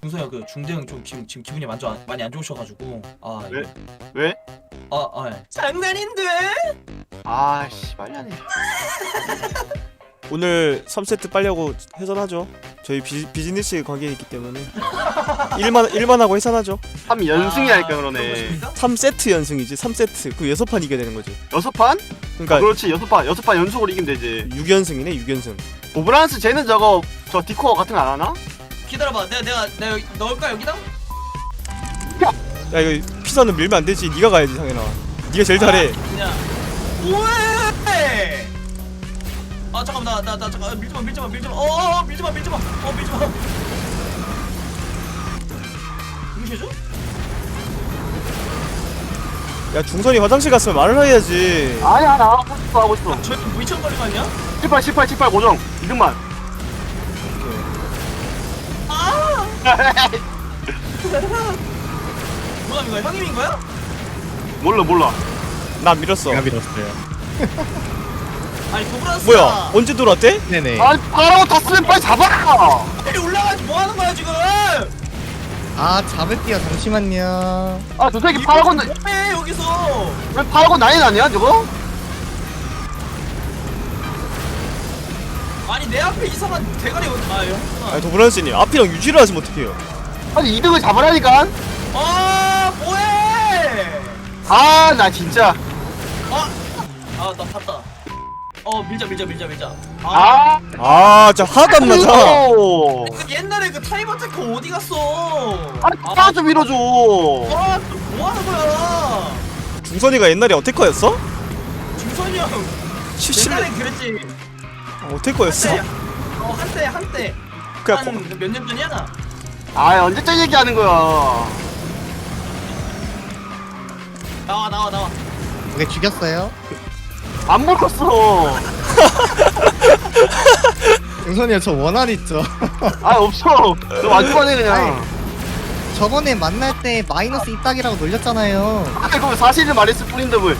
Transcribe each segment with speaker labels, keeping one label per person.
Speaker 1: 중성이가 그 중대형 좀 지금 기분이 많이 안 좋으셔가지고
Speaker 2: 왜? 왜?
Speaker 1: 장난인데?
Speaker 2: 아씨 말이 안 해.
Speaker 3: 오늘 3세트 빨리 하고 해산하죠. 저희 비즈니스 관계에 있기 때문에 일만 하고 해산하죠.
Speaker 2: 3연승이 할까 그러네.
Speaker 3: 3세트 연승이지. 3세트. 그 6판 이겨야 되는 거지.
Speaker 2: 6판?
Speaker 3: 그러니까
Speaker 2: 그렇지 6판 연속으로 이기면 되지.
Speaker 3: 6연승이네. 6연승.
Speaker 2: 오브란스 쟤는 저 디코어 같은 거 안 하나?
Speaker 1: 기다려봐. 내가 넣을까 여기다?
Speaker 3: 야 이거 피자는 밀면 안 되지. 네가 가야지 상현아. 네가 제일 잘해.
Speaker 1: 그냥 뭐해? 아 잠깐만 나 잠깐 밀지마 밀지마 무시해줘?
Speaker 3: 야 중선이 화장실 갔으면 말을 해야지.
Speaker 2: 아니야 나 하고 있어.
Speaker 1: 저 미천 걸린 거 아니야?
Speaker 2: 18 고정 2등만.
Speaker 1: 아! 누가 민 거야? 형이 민 거야?
Speaker 2: 몰라.
Speaker 3: 나 밀었어.
Speaker 4: 제가 밀었어요.
Speaker 1: 아니 도브라스
Speaker 3: 뭐야? 언제 돌아왔대?
Speaker 4: 네네.
Speaker 2: 아니 바로 다 쓰면 빨리 잡아.
Speaker 1: 빨리 올라가지 뭐 하는 거야 지금?
Speaker 4: 아 잡을게요. 잠시만요.
Speaker 2: 아 저 새끼 파라곤
Speaker 1: 뭐해 여기서?
Speaker 2: 왜 파라곤 난이 아니야 저거?
Speaker 1: 아니 내 앞에 이상한 대가리 형구나.
Speaker 3: 아니 도브란스님 앞이랑 유지를 하시면 어떡해요?
Speaker 2: 아니 2등을 잡으라니까.
Speaker 1: 아 뭐해?
Speaker 2: 아 나 진짜.
Speaker 1: 나 탔다. 밀자.
Speaker 2: 아
Speaker 3: 진짜 하나도 안 맞아.
Speaker 2: 오.
Speaker 1: 그 옛날에 그 타이머 테크 어디 갔어?
Speaker 2: 아니 나좀 밀어줘.
Speaker 1: 뭐 하는 거야?
Speaker 3: 중선이가 옛날에 어태커였어?
Speaker 1: 중선이 형 옛날에 그랬지.
Speaker 3: 어태커였어?
Speaker 1: 한때
Speaker 3: 그냥
Speaker 1: 한 몇 년 전이야?
Speaker 2: 아 언제적 얘기하는 거야.
Speaker 1: 나와.
Speaker 4: 오케이 죽였어요.
Speaker 2: 안 먹었어.
Speaker 4: 용선이 저 원한 있죠.
Speaker 2: 아 없어. 너 완전하네 그냥.
Speaker 4: 아이. 저번에 만날 때 마이너스 이딱이라고 놀렸잖아요.
Speaker 2: 아 그거 사실을 말했을 뿐인데 뭘.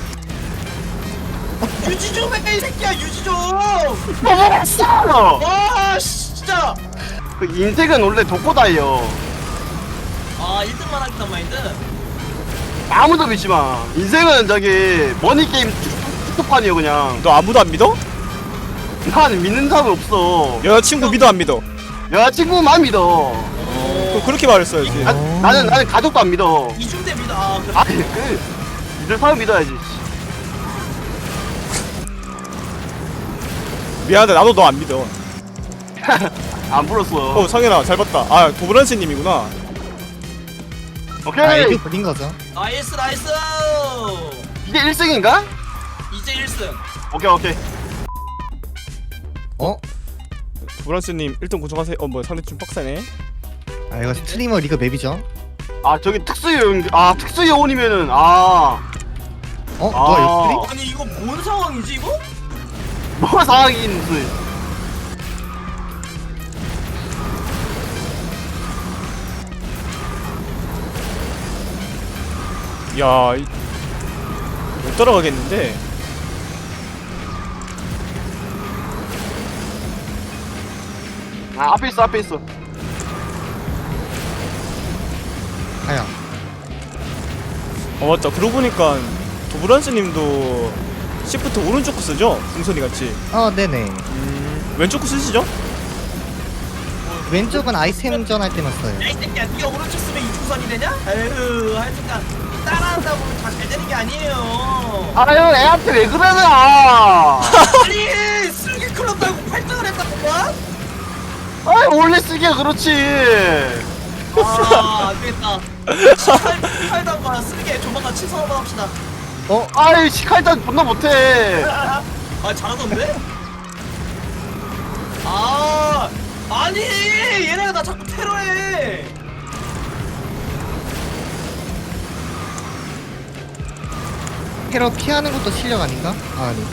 Speaker 1: 유지 좀 해 이 새끼야 유지 좀.
Speaker 2: 먹었어.
Speaker 1: 와 진짜.
Speaker 2: 그 인생은 원래 독고다예요.
Speaker 1: 1등만 하겠단 마인드.
Speaker 2: 아무도 믿지 마. 인생은 저기 머니 게임 축구판이요 그냥.
Speaker 3: 너 아무도 안 믿어?
Speaker 2: 난 믿는 사람 없어.
Speaker 3: 여자친구 믿어 안 믿어?
Speaker 2: 여자친구만 믿어.
Speaker 3: 그렇게 말했어야지.
Speaker 2: 나는 가족도 안 믿어.
Speaker 1: 이중대 믿어. 그래.
Speaker 2: 아니 믿을 사람 믿어야지.
Speaker 3: 미안한데 나도 너 안 믿어.
Speaker 2: 안 불었어.
Speaker 3: 상현아 잘 봤다. 아 도브란스님이구나.
Speaker 2: 오케이.
Speaker 4: 아 애교 부린 거죠.
Speaker 1: 나이스.
Speaker 2: 이게 1승인가?
Speaker 1: 이제 1승.
Speaker 2: 오케이.
Speaker 4: 어?
Speaker 3: 도브란스님 1등 고정하세요. 뭐야 상대 좀 빡세네.
Speaker 4: 아 이거 스트리머 리그 맵이죠.
Speaker 2: 아 저기 특수 요원이면은 아.
Speaker 4: 누가 옆구리?
Speaker 1: 아니 이거 뭔 상황이지 이거?
Speaker 2: 뭐 상황인지.
Speaker 3: 야, 못 따라가겠는데.
Speaker 2: 아 앞에 있어.
Speaker 4: 아야.
Speaker 3: 맞다. 그러고 보니까 도브란스님도 시프트 오른쪽 거 쓰죠? 중선이 같이.
Speaker 4: 네네.
Speaker 3: 왼쪽 거 쓰시죠?
Speaker 4: 왼쪽은 아이템 전할 때만 써요.
Speaker 1: 야이 새끼야 네가 오른쪽 쓰면 이중선이 되냐? 에휴 하여튼간 따라한다고 다 잘 되는 게 아니에요.
Speaker 2: 아유 애한테 왜 그러냐.
Speaker 1: 아니 슬기 클럽 달고 8등을 했다고 봐?
Speaker 2: 아 원래 쓰기야 그렇지.
Speaker 1: 안되겠다. 칼당과 슬기 조만간 친선 한번 합시다.
Speaker 2: 아이 시칼단 존나 못해.
Speaker 1: 잘하던데? 아니 얘네가 나 자꾸 테러해.
Speaker 4: 테러 피하는 것도 실력 아닌가? 아니.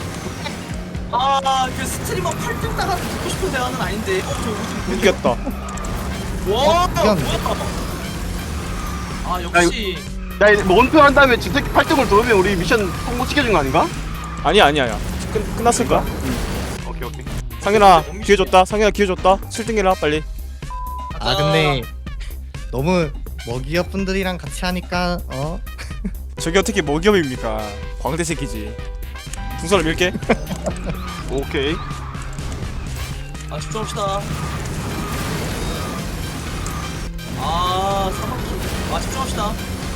Speaker 1: 그 스트리머 8등 따가서 듣고 싶은 대화는 아닌데. 저 요즘
Speaker 3: 이겼다.
Speaker 1: 와
Speaker 4: 이겼네.
Speaker 1: 뭐야? 역시.
Speaker 2: 야 원표 한 다음에 진택 8등을 돌으면 우리 미션 성공시켜준 거 아닌가?
Speaker 3: 아니야. 끝났을 거야.
Speaker 2: 오케이.
Speaker 3: 상현아 기회 줬다. 7등 해라 빨리.
Speaker 4: 아 근데 너무 먹이업 분들이랑 같이 하니까
Speaker 3: 저게 어떻게 먹이업입니까? 광대 새끼지. 풍선을 밀게.
Speaker 2: 오케이.
Speaker 1: 아 집중합시다. 아 사막히. 아 집중합시다.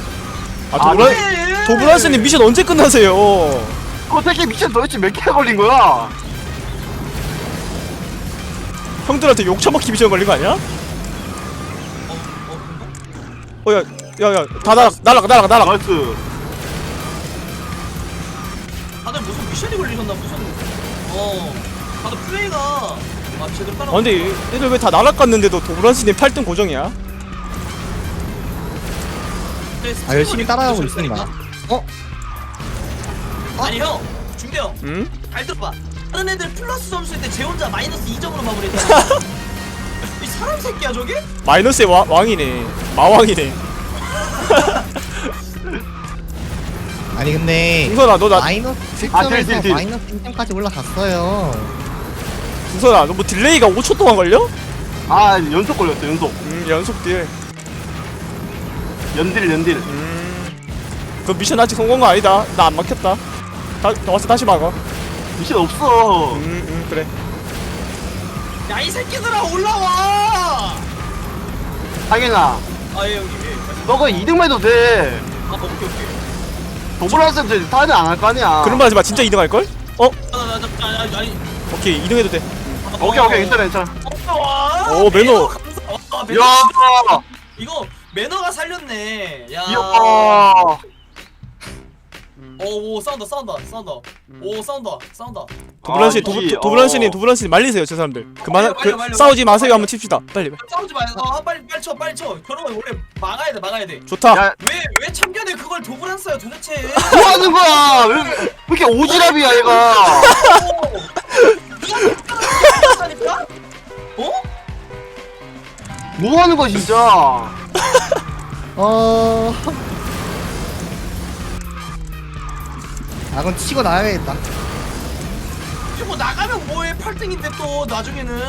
Speaker 3: 아 도브란스님 미션 언제 끝나세요?
Speaker 2: 그 새끼 미션 도대체 몇 개가 걸린 거야?
Speaker 3: 형들한테 욕 처먹기 미션 걸린 거 아니야? 야야야 다 날아가.
Speaker 2: 나이스.
Speaker 1: 다들 무슨 미션이 걸리셨나 무슨 다들 플레이가 제대로 따라.
Speaker 3: 근데 얘들 왜 다 날아갔는데도 도브란스님 8등 고정이야?
Speaker 4: 열심히 따라가고 있습니다.
Speaker 1: 아니 형 중대 형.
Speaker 3: 응?
Speaker 1: 잘 들어봐. 다른 애들 플러스 점수일 때 제 혼자 마이너스 2점으로 마무리했잖아. 이 사람 새끼야 저게?
Speaker 3: 마이너스의 왕이네. 마왕이네.
Speaker 4: 아니 근데
Speaker 3: 풍선아 너 나
Speaker 4: 마이너스
Speaker 2: 아,
Speaker 4: 7점에서
Speaker 2: 딜.
Speaker 4: 마이너스 1점까지 올라갔어요.
Speaker 3: 풍선아 너 뭐 딜레이가 5초 동안 걸려?
Speaker 2: 아 연속 걸렸어 연속.
Speaker 3: 연속 딜.
Speaker 2: 연딜.
Speaker 3: 그 미션 아직 성공한 거 아니다. 나 안 막혔다. 와서 다시 막아.
Speaker 2: 미션 없어.
Speaker 3: 그래.
Speaker 1: 야 이 새끼들아 올라와.
Speaker 2: 당연아.
Speaker 1: 아예 형님 예.
Speaker 2: 너가 2등만 해도 돼.
Speaker 1: 아 오케이.
Speaker 2: 도브란스 타는 안 할 거 아니야.
Speaker 3: 그런 말 하지 마. 진짜 2등 할 걸?
Speaker 1: 아니.
Speaker 3: 오케이 2등 해도 돼.
Speaker 2: 오케이 괜찮아.
Speaker 1: 오
Speaker 3: 매너.
Speaker 1: 매너.
Speaker 2: 야.
Speaker 1: 이거 매너가 살렸네. 야.
Speaker 2: 이야.
Speaker 1: 오 싸운다. 오 싸운다.
Speaker 3: 도브란스님 말리세요 저 사람들. 그만
Speaker 1: 말려.
Speaker 3: 싸우지 마세요 한번 칩시다. 빨리.
Speaker 1: 싸우지 마요. 빨리 쳐. 그러면 원래 막아야 돼.
Speaker 3: 좋다.
Speaker 2: 야,
Speaker 1: 왜 참견에 그걸 도구란 써요 도대체?
Speaker 2: 뭐 하는 거야? 왜 이렇게 오지랖이야 얘가?
Speaker 1: 어?
Speaker 2: 뭐 하는 거야 진짜?
Speaker 4: 그럼 치고 나가야겠다.
Speaker 1: 이거 나가면 뭐해? 8등인데 또 나중에는.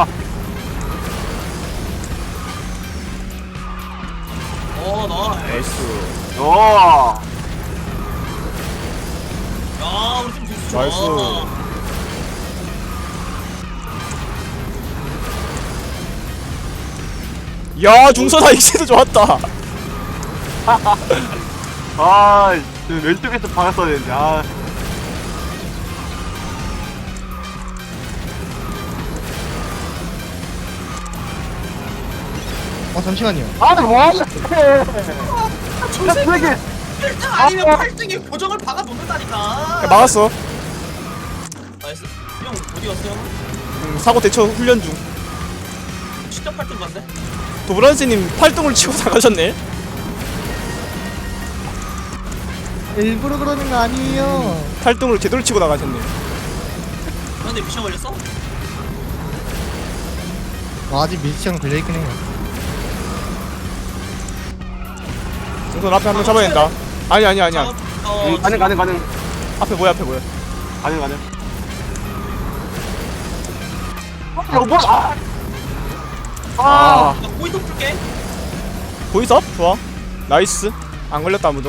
Speaker 1: 나이스.
Speaker 2: 야.
Speaker 1: 야 우리 팀 좋아.
Speaker 3: 나이스. 야 중선아 익세도 좋았다.
Speaker 2: 왼쪽에서 박았어야 되는데.
Speaker 4: 잠시만요.
Speaker 2: 뭐하는 거야?
Speaker 1: 저 새끼 1등 아니면 8등에 고정을 박아 놓는다니까.
Speaker 3: 야, 막았어.
Speaker 1: 나이스. 형 어디 갔어 형?
Speaker 3: 사고 대처 훈련 중.
Speaker 1: 진짜 8등 갔네.
Speaker 3: 도브란스님 8등을 치고 나가셨네.
Speaker 4: 일부러 그러는 거 아니에요.
Speaker 3: 8등을 제대로 치고 나가셨네.
Speaker 1: 근데 미션 걸렸어?
Speaker 4: 아직 미션 걸려있긴 해요.
Speaker 3: 중선 앞에 한 명 잡아야 된다. 아니야.
Speaker 2: 가능.
Speaker 3: 앞에 뭐야?
Speaker 2: 가능. 여보.
Speaker 1: 나 고이동 줄게.
Speaker 3: 보이서? 좋아. 나이스. 안 걸렸다 아무도.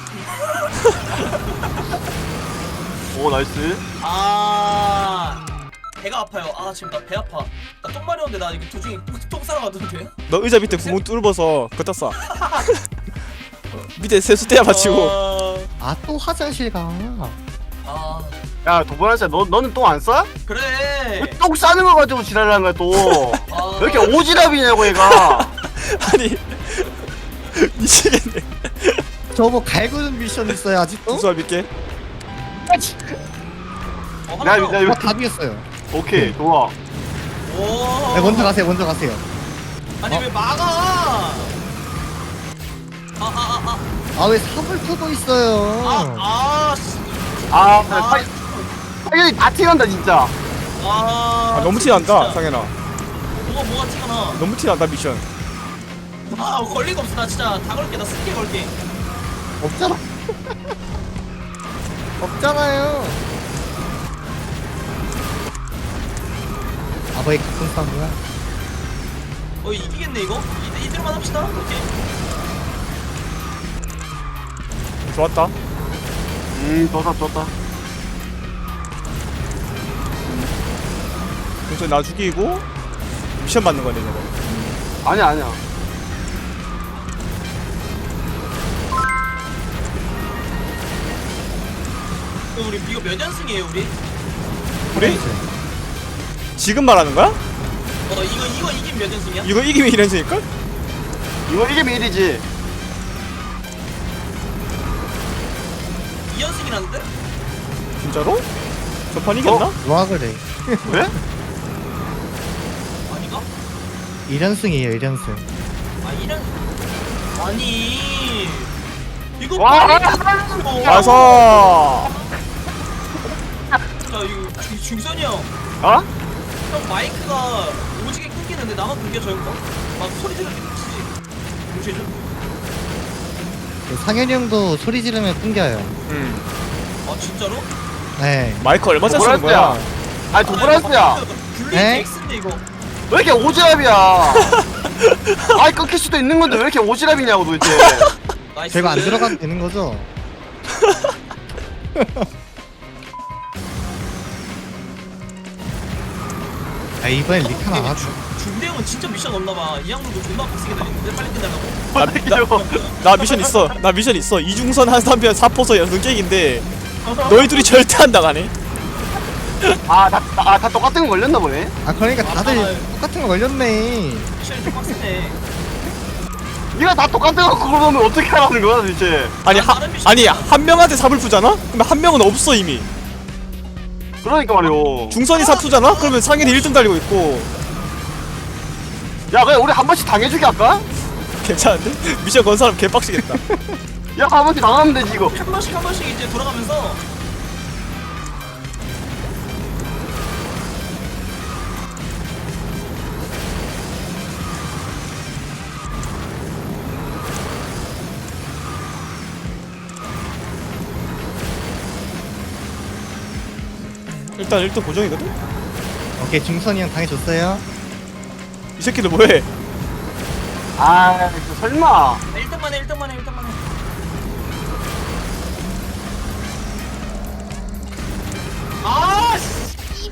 Speaker 2: 오 나이스.
Speaker 1: 배가 아파요. 지금 나 배 아파. 나 똥 마려운데 나 이거 도중에 똥 싸러 가던데.
Speaker 3: 너 의자 밑에 구멍 뚫어서 걷다 쏴. 밑에 세수대야 받치고.
Speaker 4: 또 화장실 가.
Speaker 2: 야 도브란스 너는 똥 안 싸?
Speaker 1: 그래.
Speaker 2: 왜 똥 싸는 거 가지고 지랄하는 거야 또? 왜 이렇게 오지랖이냐고 얘가.
Speaker 3: 아니 미치겠네.
Speaker 4: 저뭐 갈구는 미션 있어요 아직도?
Speaker 3: 중선 믿게.
Speaker 2: 나 이거
Speaker 4: 답이었어요.
Speaker 2: 오케이 좋아.
Speaker 1: 오.
Speaker 4: 네, 먼저 가세요.
Speaker 1: 아니 왜 막아?
Speaker 4: 왜 삽을 푸고 있어요?
Speaker 2: 당연히 다 튀간다 진짜.
Speaker 3: 너무 티난다
Speaker 1: 진짜.
Speaker 3: 상현아.
Speaker 1: 뭐가 티가 나?
Speaker 3: 너무 티난다 미션.
Speaker 1: 걸릴 거 없어. 나 진짜 다 걸게. 나 쓸게 걸게.
Speaker 4: 없잖아. 없잖아요. 왜 가끔 싸우냐?
Speaker 1: 이기겠네 이거. 이대로만 합시다. 오케이.
Speaker 3: 좋았다.
Speaker 2: 좋다.
Speaker 3: 그래서 나 죽이고 미션 받는 거네 저거.
Speaker 2: 아니야.
Speaker 1: 그럼 우리 이거 몇 연승이에요 우리?
Speaker 3: 우리? 지금 말하는 거야?
Speaker 1: 이거 이기면 몇 연승이야?
Speaker 3: 이거 이기면 1연승일걸?
Speaker 2: 이거 이기면 1이지.
Speaker 1: 2연승이라는데?
Speaker 3: 진짜로? 저 판 이겼나?
Speaker 4: 와 그래.
Speaker 2: 왜?
Speaker 1: 아닌가?
Speaker 4: 1연승이에요 1연승.
Speaker 1: 아 1연 아니 이거
Speaker 2: 와,
Speaker 3: 와서
Speaker 1: 자 이거 중선이 형
Speaker 2: 어?
Speaker 1: 마이크가 오지게 끊기는데 나만 끊겨 저 형 거? 막 소리 지르게 끊기지 동시에죠?
Speaker 4: 상현이 형도 소리 지르면 끊겨요.
Speaker 1: 아 진짜로?
Speaker 4: 네.
Speaker 3: 마이크 얼마 짜 쓰는 거야?
Speaker 2: 아니 도브라스야.
Speaker 1: 블루이
Speaker 4: 에?
Speaker 1: X인데 이거
Speaker 2: 왜 이렇게 오지랖이야? 아이 끊길 수도 있는 건데 왜 이렇게 오지랖이냐고 도대체.
Speaker 1: 나이스
Speaker 4: 별거 안 들어가도 되는 거죠? 아 이번엔 리카 나왔어.
Speaker 1: 중대 형은 진짜 미션 없나봐 이 양반도 존나 빡세게 다니는데 빨리 끝내려고
Speaker 2: 아,
Speaker 3: 나 미션 있어. 나 미션 있어. 이중선 한 3편 4포서 연승 깨기인데 너희 둘이 절대 안 당하네.
Speaker 2: 다 똑같은 거 걸렸나 보네.
Speaker 4: 아 그러니까 다들
Speaker 1: 아,
Speaker 4: 똑같은 거 걸렸네.
Speaker 1: 미션이 좀 빡세네
Speaker 2: 니가 다 똑같은 거 그걸 보면 어떻게 하라는 거야 도대체.
Speaker 3: 아니 한 명한테 삽을 푸잖아? 그러면 한 명은 없어 이미.
Speaker 2: 그러니까 말이오.
Speaker 3: 중선이 삽투잖아? 그러면 상현이 1등 달리고 있고.
Speaker 2: 야 그냥 우리 한 번씩 당해주기 할까?
Speaker 3: 괜찮은데? 미션 건 사람 개빡시겠다.
Speaker 2: 야 한 번씩 당하면 되지 이거.
Speaker 1: 한 번씩 이제 돌아가면서
Speaker 3: 일단 1등 고정이거든?
Speaker 4: 오케이 중선이 형 당해줬어요.
Speaker 3: 이 새끼들 뭐해?
Speaker 2: 아 설마.
Speaker 1: 1등만 해 씨.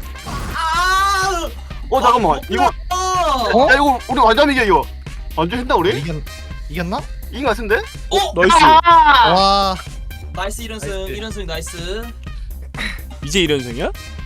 Speaker 2: 잠깐만 이거.
Speaker 4: 어?
Speaker 2: 야 이거 우리 완전 이겨 이거. 완전 했다 우리?
Speaker 4: 이겼나?
Speaker 2: 이긴 거 같은데?
Speaker 3: 나이스.
Speaker 2: 아!
Speaker 4: 와
Speaker 1: 나이스 1연승 나이스
Speaker 3: 이제 1연승이야?